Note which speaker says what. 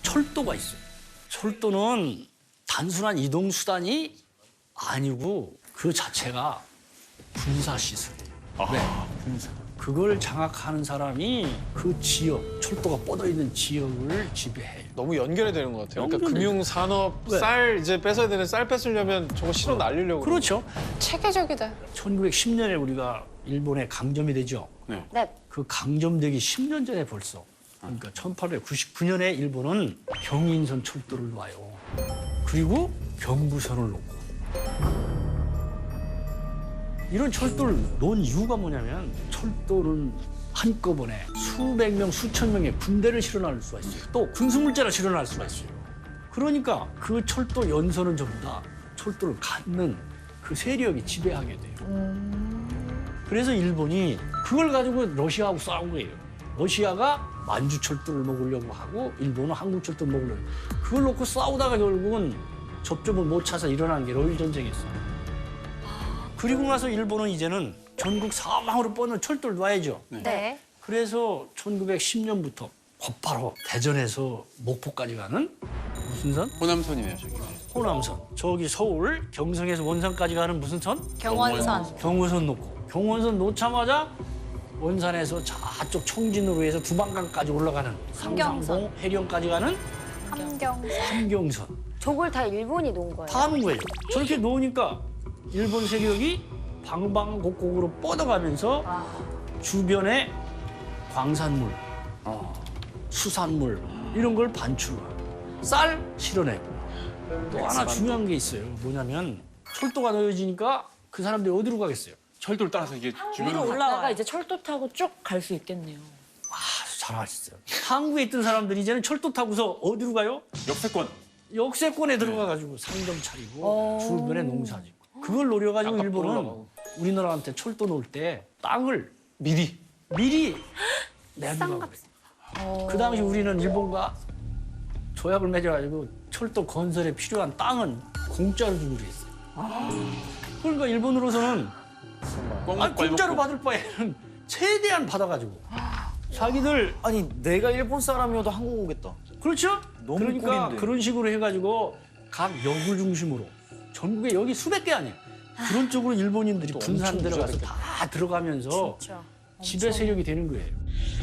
Speaker 1: 철도가 있어요. 철도는 단순한 이동 수단이 아니고 그 자체가 군사 시설이에요. 네, 군사. 그걸 장악하는 사람이 그 지역, 철도가 뻗어 있는 지역을 지배해요.
Speaker 2: 너무 연결이 되는 것 같아요. 그러니까
Speaker 1: 연결돼.
Speaker 2: 금융 산업
Speaker 1: 왜?
Speaker 2: 쌀 이제 뺏어야 되는 쌀 뺏으려면 저거 실어 날리려고.
Speaker 1: 그렇죠.
Speaker 3: 체계적이다.
Speaker 1: 1910년에 우리가 일본에 강점이 되죠.
Speaker 4: 네.
Speaker 3: 네.
Speaker 1: 그 강점되기 10년 전에 벌써. 그러니까 1899년에 일본은 경인선 철도를 놔요. 그리고 경부선을 놓고. 이런 철도를 놓은 이유가 뭐냐면 철도는 한꺼번에 수백 명, 수천 명의 군대를 실어날 수가 있어요. 또 군수물자를 실어날 수가 있어요. 그러니까 그 철도 연선은 전부 다 철도를 갖는 그 세력이 지배하게 돼요. 그래서 일본이 그걸 가지고 러시아하고 싸운 거예요. 러시아가 만주철도를 먹으려고 하고 일본은 한국철도를 먹으려고 해요. 그걸 놓고 싸우다가 결국은 접점을 못 찾아 일어난 게 러일 전쟁이었어요. 그리고 나서 일본은 이제는 전국 사방으로 뻗는 철도를 놔야죠.
Speaker 3: 네.
Speaker 1: 그래서 1910년부터 곧바로 대전에서 목포까지 가는 무슨 선?
Speaker 4: 호남선이네요, 저기.
Speaker 1: 호남선. 저기 서울 경성에서 원산까지 가는 무슨 선?
Speaker 3: 경원선.
Speaker 1: 경원선 놓고. 경원선 놓자마자 원산에서 저쪽 청진으로 해서 두만강까지 올라가는
Speaker 3: 함경선.
Speaker 1: 상상봉 해령까지 가는
Speaker 3: 함경선.
Speaker 1: 함경선.
Speaker 5: 저걸 다 일본이 놓은 거예요.
Speaker 1: 다 하는 거예요. 저렇게 놓으니까 일본 세력이 방방곡곡으로 뻗어가면서 주변에 광산물, 수산물 이런 걸 반출하고 쌀 실어내고 또 하나 중요한 게 있어요. 뭐냐면 철도가 놓여지니까 그 사람들이 어디로 가겠어요?
Speaker 4: 철도를 따라서 이게 주변으로
Speaker 5: 올라가 이제 철도 타고 쭉 갈 수 있겠네요.
Speaker 1: 아주 잘하셨어요. 한국에 있던 사람들이 이제는 철도 타고서 어디로 가요?
Speaker 4: 역세권.
Speaker 1: 역세권에 들어가가지고 상점 차리고 주변에 농사 짓고 그걸 노려가지고
Speaker 2: 땅값
Speaker 1: 일본은
Speaker 2: 올라가고.
Speaker 1: 우리나라한테 철도 놓을 때 땅을
Speaker 2: 미리.
Speaker 1: 내주라고 그래요. 그 당시 우리는 일본과 조약을 맺어가지고 철도 건설에 필요한 땅은 공짜로 주기로 했어요. 그러니까 일본으로서는 공짜로 받을 바에는 최대한 받아가지고 자기들
Speaker 6: 아니 내가 일본 사람이어도 한국 오겠다.
Speaker 1: 그렇죠?
Speaker 6: 너무
Speaker 1: 그러니까
Speaker 6: 꿀인데.
Speaker 1: 그런 식으로 해가지고 각 역을 중심으로 전국에 여기 수백 개 아니에요. 그런 쪽으로 일본인들이 분산
Speaker 2: 엄청
Speaker 1: 들어가서
Speaker 2: 부자됐겠다.
Speaker 1: 다 들어가면서 지배 세력이 되는 거예요.